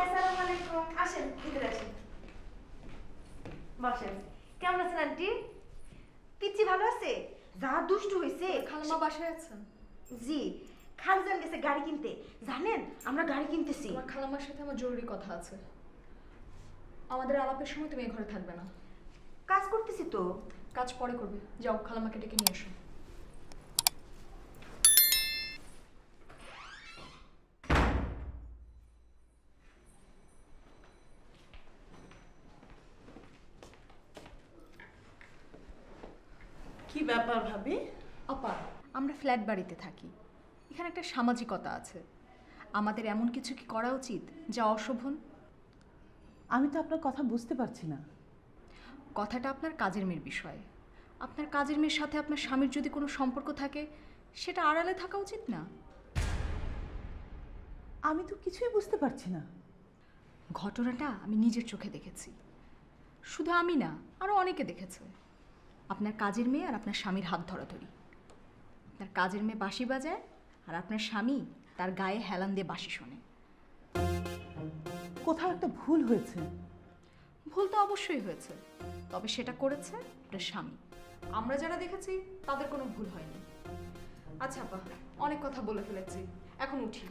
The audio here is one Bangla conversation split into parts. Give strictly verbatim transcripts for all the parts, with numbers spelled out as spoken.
আসসালামু আলাইকুম। আসেন ভিতরে আসেন, বসেন। কেমন আছেন আন্টি? পিচ্চি ভালো আছে? যা দুষ্টু হয়েছে। খালাম্মা বাসায় আছেন? জি, খালজান গেছে গাড়ি কিনতে। জানেন আমরা গাড়ি কিনতেছি। তোমার খালাম্মার সাথে আমার জরুরি কথা আছে। আমাদের আলাপের সময় তুমি এই ঘরে থাকবে না। কাজ করতেছি তো। কাজ পরে করবে, যাও খালাম্মাকে ডেকে নিয়ে এসো। কি ব্যাপার ভাবি? আপা, আমরা ফ্ল্যাট বাড়িতে থাকি, এখানে একটা সামাজিকতা আছে। আমাদের এমন কিছু কি করা উচিত যা অশোভন? আমি তো আপনার কথা বুঝতে পারছি না। কথাটা আপনার কাজের মেয়ের বিষয়। আপনার কাজের মেয়ের সাথে আপনার স্বামীর যদি কোনো সম্পর্ক থাকে, সেটা আড়ালে থাকা উচিত না। আমি তো কিছুই বুঝতে পারছি না। ঘটনাটা আমি নিজের চোখে দেখেছি। শুধু আমি না, আরও অনেকে দেখেছে। আপনার কাজের মেয়ে আর আপনার স্বামীর হাত ধরাধরি। আপনার কাজের মেয়ে বাঁশি বাজায় আর আপনার স্বামী তার গায়ে হেলান দিয়ে বাঁশি শোনে। কোথাও একটা ভুল হয়েছে। ভুল তো অবশ্যই হয়েছে, তবে সেটা করেছে আপনার স্বামী। আমরা যারা দেখেছি তাদের কোনো ভুল হয়নি। আচ্ছা আপা, অনেক কথা বলে ফেলেছি, এখন উঠি।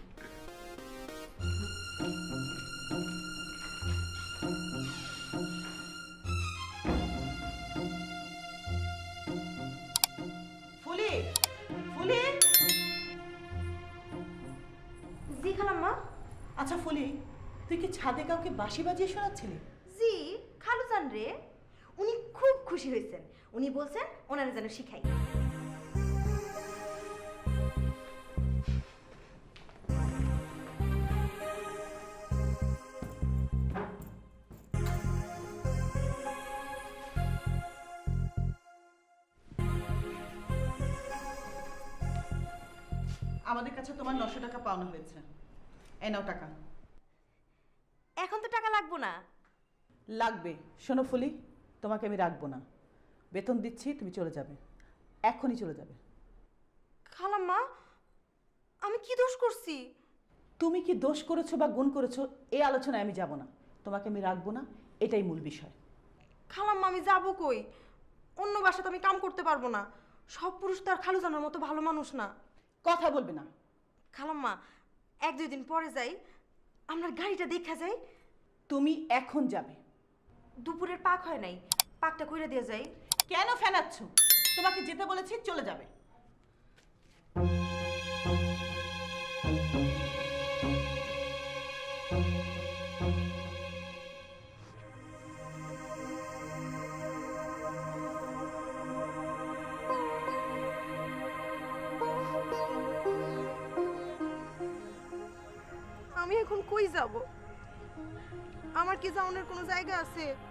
ফুলি, ফুলি। জি খালাম্মা। আচ্ছা ফুলি, তুই কি ছাদে কাউকে বাঁশি বাজিয়ে শোনাচ্ছিলি? জি, খালুজান রে। উনি খুব খুশি হয়েছেন। উনি বলছেন ওনারা যেন শিখাই। আমাদের কাছে তোমার নশো টাকা পাওনা হয়েছে। এই নাও টাকা। এখন তো টাকা লাগবো না। লাগবে। শোনো ফুলি, তোমাকে আমি রাখবো না। বেতন দিচ্ছি, তুমি চলে যাবে, এখনই চলে যাবে। খালাম্মা, আমি কি দোষ করছি? তুমি কি দোষ করেছো বা গুণ করেছো এই আলোচনায় আমি যাব না। তোমাকে আমি রাখবো না, এটাই মূল বিষয়। খালাম্মা, আমি যাবো কই? অন্য বাসাতে আমি কাম করতে পারবো না। সব পুরুষ তো আর খালুজানের মতো ভালো মানুষ না। কথা বলবে না। খালাম্মা, এক দুই দিন পরে যাই, আমরা গাড়িটা দেখা যাই। তুমি এখন যাবে। দুপুরের পাক হয় নাই, পাকটা কইরা দিয়ে যাই। কেন ফেনাচ্ছ? তোমাকে যেতে বলেছি, চলে যাবে। আমি এখন কই যাব? আমার কি যাওয়ার কোনো জায়গা আছে?